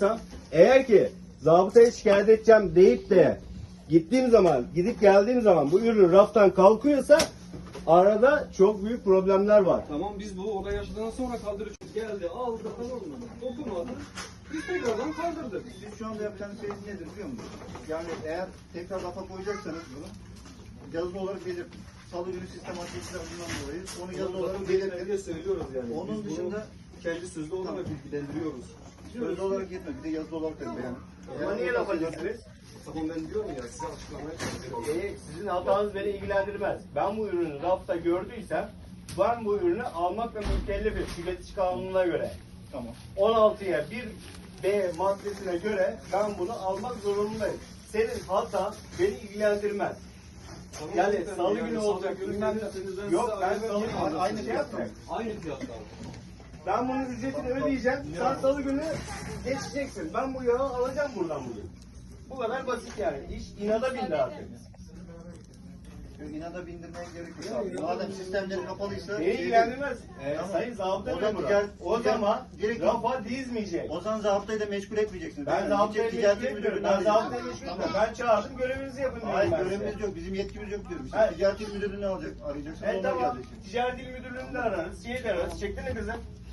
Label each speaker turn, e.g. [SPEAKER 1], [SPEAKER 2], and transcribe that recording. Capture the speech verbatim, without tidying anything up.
[SPEAKER 1] alacaksam, eğer ki zabıtaya şikayet edeceğim deyip de gittiğim zaman, gidip geldiğim zaman bu ürün raftan kalkıyorsa arada çok büyük problemler var.
[SPEAKER 2] Tamam, biz bu olay yaşadıktan sonra kaldırıcı geldi, aldı, tamam mı? Dokunmadı. Biz tekrardan kaldırdık.
[SPEAKER 3] Siz şu anda yapacağınız şey nedir biliyor musunuz? Yani eğer tekrar rafa koyacaksanız bunu yazılı olarak belirtin. Salı günü sistematiklerden dolayı onu yazılı olarak belirtin.
[SPEAKER 2] diye söylüyoruz yani.
[SPEAKER 3] Onun
[SPEAKER 2] Biz
[SPEAKER 3] dışında
[SPEAKER 2] bunu kendi sözlü olarak
[SPEAKER 3] Tamam.
[SPEAKER 2] bilgilendiriyoruz.
[SPEAKER 3] sözlü olarak yetme, bir de yazılı olarak da beyan.
[SPEAKER 1] Ama niye laf ediyorsunuz?
[SPEAKER 2] Tamam, ben diyorum ya, size açıklamaya çalışıyorum.
[SPEAKER 1] E, sizin hatanız beni ilgilendirmez. Ben bu ürünü rafta gördüysem ben bu ürünü almakla mükellefim tüketici kanununa göre.
[SPEAKER 3] Tamam.
[SPEAKER 1] on altıya bir B maddesine göre ben bunu almak zorundayım. Senin hata beni ilgilendirmez.
[SPEAKER 2] Tamam,
[SPEAKER 1] Yani
[SPEAKER 2] efendim,
[SPEAKER 1] salı
[SPEAKER 2] yani
[SPEAKER 1] günü
[SPEAKER 2] salı
[SPEAKER 1] olacak,
[SPEAKER 2] günü
[SPEAKER 1] bilmem ne.
[SPEAKER 2] gelirseniz ben
[SPEAKER 1] Yok,
[SPEAKER 2] size
[SPEAKER 1] ben
[SPEAKER 2] ayrı
[SPEAKER 1] salı
[SPEAKER 2] bir
[SPEAKER 1] günü
[SPEAKER 2] fiyat
[SPEAKER 1] aynı
[SPEAKER 2] alacağım.
[SPEAKER 1] fiyat mı?
[SPEAKER 2] Aynı fiyattan.
[SPEAKER 1] Ben bunun ücretini ödeyeceğim. Sen salı günü geçeceksin. Ben bu yağı alacağım buradan bugün. Bu kadar basit yani. İş inada bindi artık.
[SPEAKER 3] İnada bindirmeye gerek yok abi. Madem sistemleri kapalıysa...
[SPEAKER 1] Beni ilgilendirmez. Ee,
[SPEAKER 3] Tamam.
[SPEAKER 1] Sayın zabıta
[SPEAKER 3] O zaman
[SPEAKER 1] memuru.
[SPEAKER 3] ticaret-
[SPEAKER 1] O zaman
[SPEAKER 3] direkt-
[SPEAKER 1] rafa dizmeyecek.
[SPEAKER 3] O zaman zabıtayı da meşgul etmeyeceksiniz.
[SPEAKER 1] Ben
[SPEAKER 3] değil mi?
[SPEAKER 1] zabıtayı
[SPEAKER 3] Gidecek
[SPEAKER 1] meşgul
[SPEAKER 3] ticaret
[SPEAKER 1] etmiyorum.
[SPEAKER 3] müdürlüğüne
[SPEAKER 1] Ben zabıtayı
[SPEAKER 3] arayacak.
[SPEAKER 1] meşgul etmiyorum. Ben çağırdım, görevinizi yapın diyorum
[SPEAKER 3] Hayır,
[SPEAKER 1] ben
[SPEAKER 3] görevimiz
[SPEAKER 1] size.
[SPEAKER 3] yok. Bizim yetkimiz yok diyorum. Siz
[SPEAKER 1] Evet.
[SPEAKER 3] ticaret il müdürlüğüne alacak, arayacaksınız.
[SPEAKER 1] Evet
[SPEAKER 3] onlar
[SPEAKER 1] tamam.
[SPEAKER 3] gelecek.
[SPEAKER 1] Ticaret il müdürlüğünde ararız. Şeyi de ararız. Çektin mi kızım?